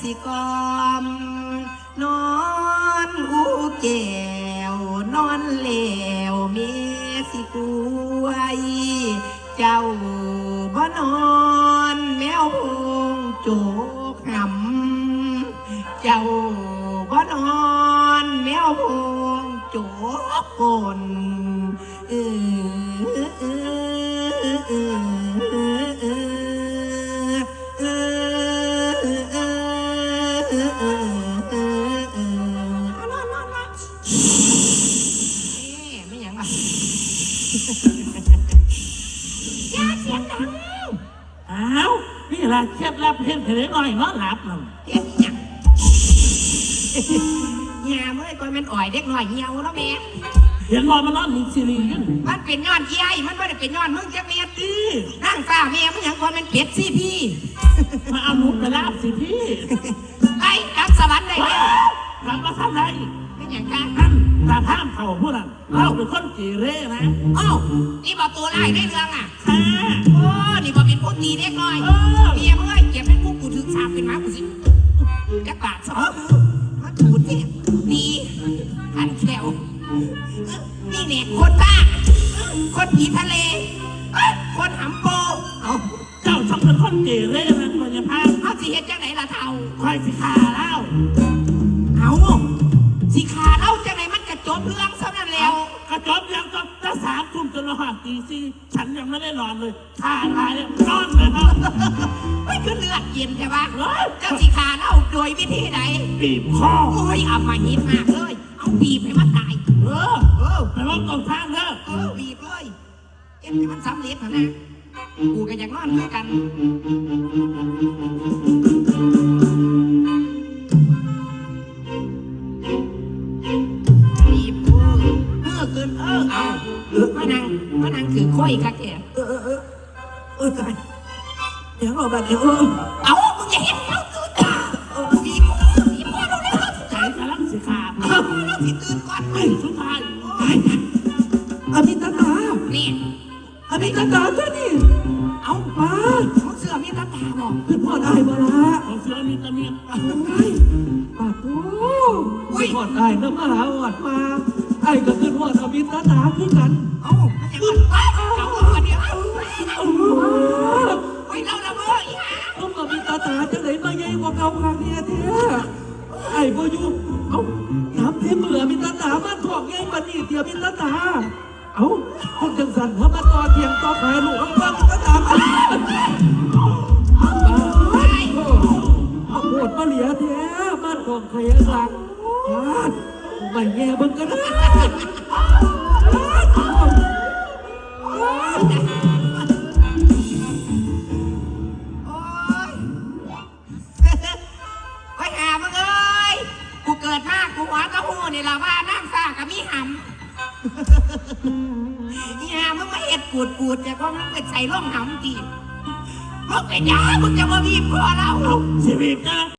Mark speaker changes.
Speaker 1: สิกอมนอนอูแก้วนอนเหลวเมียสิกวยเจ้าบ่นอนแมวพงโจกหำเจ้าบ่นอนแมวพงโจกกน
Speaker 2: อ้าวนี่แหละเคล็ดลับเห็นเถอะหน่อยนอนหลับหนึ่ง
Speaker 1: เฮ็ดหยังเหี่ยเมื่อก่อนมันอ่อยเด็กหน่อยเหี่ยวแล้วแม่
Speaker 2: เห็นว่ามันนอนมีซีรีส์กัน
Speaker 1: มันเป็นย้อนเอี้ยมันไม่ได้เป็นย้อนมึงจะเมียตีนั่งฟ้าแม่มันหยังก่อนมันเป็ดสิพี่
Speaker 2: มาเอาหนูไปลาบสิพี่
Speaker 1: ไอ้กลับสวรรค์ได้แล้ว
Speaker 2: กลับมาท่านใด
Speaker 1: เป็นอย่างกัน
Speaker 2: ท่านตาท่ามเข่าพูดน่ะเราเป็นคนเกเรนะ
Speaker 1: อ้าวนี่บอกตัวไล่ได้เรื่องอ่ะ
Speaker 2: ค่ะ
Speaker 1: โอ้นี่บอกเป็นผู้ตีเด็กน้อยเมียเมื่อยเก็บเป็นผู้กูถึงสามเป็นหมากูสิจักบาทสองมาถูดเนี่ยดีพันแคลวนี่เนี่ยคนบ้าคนผีทะเลคนหำโปเอา
Speaker 2: เจ้าชอบเป็นคนเกเรนะมันจะพา
Speaker 1: เอาสิเฮ็ดจังไหนล่ะเท่า
Speaker 2: คอยสิขาแล้ว
Speaker 1: เอาสิขาเล่าจังไหนมันกระจบเรื่องซะนั่นแล้ว
Speaker 2: กระจบยังก็จะ3 ทุ่มจนเราหาตีสี่ฉันยังไม่ได้นอนเลยขาตายแล้วนอนเลยครับ
Speaker 1: ไม่คือเลือดเย็นใช่ปะเจ้าสิขาเล่าโดยวิธีไหน
Speaker 2: บีบคอ
Speaker 1: โอ้ยเอามาหินมากเลยเอาบีบให้มันตาย
Speaker 2: แต่ว่าตรงทางเด้อ
Speaker 1: บีบเลยเอ็นให้มันสำเร็จนะกูก็อยากนอนด้วยกันบีบขึ้นเอามานั่งถือค่อยค่ะแกกันเดี๋ยวเราแบบเดี๋ยวเอามึงอย่าเห็นเขาตื่นบีบพ่อเราเลย
Speaker 2: ใจกำลังสิขาด
Speaker 1: เราสิตื่นก่อน
Speaker 2: ไอ้สุดท้าย
Speaker 3: อภิตตา
Speaker 1: นี่
Speaker 3: อภิตตาตัวนี้
Speaker 1: เอา
Speaker 3: มา
Speaker 1: เขาเสือมีตาตาบอก
Speaker 3: ขึ้นพ่อได้บ่ละ
Speaker 2: ของเสือมีตะเมียน
Speaker 3: โอ้ยปากโอ้ขึ้นพ่อได้น้ำมหาอดมาไอ้ก็ขึ้นพ่ออภิตตาขึ้นกัน
Speaker 1: เอาอย่างนั้นไปเอาคนเดียว
Speaker 3: โอ้
Speaker 1: ไปเล่าละเมื่ออีห่า
Speaker 3: ต้องอภิตตาจะไหนมาใหญ่กว่าเก่าครั้งนี้เท่ไอ้บ่อยู่เอ้าถามที่เมื่ออภิตตามาถอกใหญ่ปานนี้เดียวอภิตตาเอ้าคนจังสันเขามาต่อเทียงต่อขายลูกเอาบ้างอภิตตามาโหดมาเหลียแท้บ้านของใครสักไม่แง่เบิ่งกันนะ
Speaker 1: โอ้ยไปหามึงเอ้ยกูเกิดมากกูหัวตะหูนี่ละว่าน้ำซ่ากับมีหำอีห่ามึงมาเอ็ดกูดจะก็มึงไปใส่ร่องหำจีมึงไปด่ามึงจะมาบีบคอเรา
Speaker 2: ชีวิตนะ